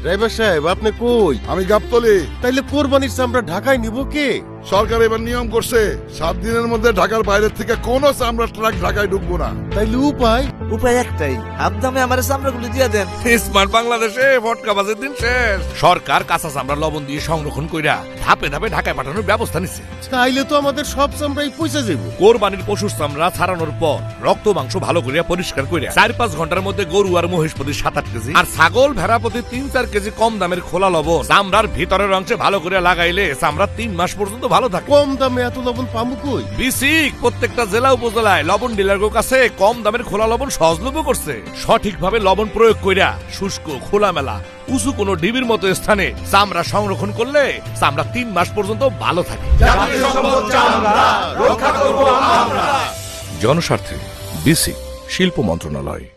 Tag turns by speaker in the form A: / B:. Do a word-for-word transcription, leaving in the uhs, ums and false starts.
A: Driver সাহেব আপনি কই?
B: আমি গাবতলি।
A: তাইলে কোরবানির চামড়া ঢাকায় নিব কে?
B: সরকার এবার নিয়ম করছে সাত দিনের মধ্যে ঢাকার বাইরের থেকে কোনো চামড়া ট্রাক ঢাকায় ঢুকবো না।
A: তাইলে উপায়
C: উপায় একটাই, আপনি আমার চামড়াগুলো দিয়ে দেন।
D: স্মার্ট বাংলাদেশে ভটকা বাজের দিন শেষ। সরকার কাঁচা চামড়া লবণ দিয়ে সংরক্ষণ কইরা ধাপে ধাপে ঢাকায় পাঠানোর ব্যবস্থা নিচ্ছে।
A: তাইলে তো আমাদের সব চামড়াই পয়সা যাব।
D: কোরবানির পশুর চামড়া ছাড়ানোর পর রক্ত মাংস ভালো করিয়া পরিষ্কার করিয়া চার পাঁচ ঘন্টার মধ্যে গরু আর মহিষ প্রতি সাত আট কেজি আর ছাগল ভেড়া প্রতি তিন চার কেজি কম দামের খোলা লবণ চামড়ার ভিতরের অংশে ভালো করে লাগাইলে চামড়া তিন মাস পর্যন্ত ভালো থাকে।
A: কম দামে এত লবণ পাবো কই?
D: বিসিক প্রত্যেকটা জেলা উপজেলায় লবণ ডিলারের কাছে কম দামের খোলা লবণ সহজলভ্য করছে। সঠিকভাবে লবণ প্রয়োগ কইরা শুষ্ক খোলামেলা উঁচু কোনো ডিবির মতো স্থানে চামড়া সংরক্ষণ করলে চামড়া তিন মাস পর্যন্ত ভালো থাকে। জনস্বার্থে বিসিক শিল্প মন্ত্রণালয়।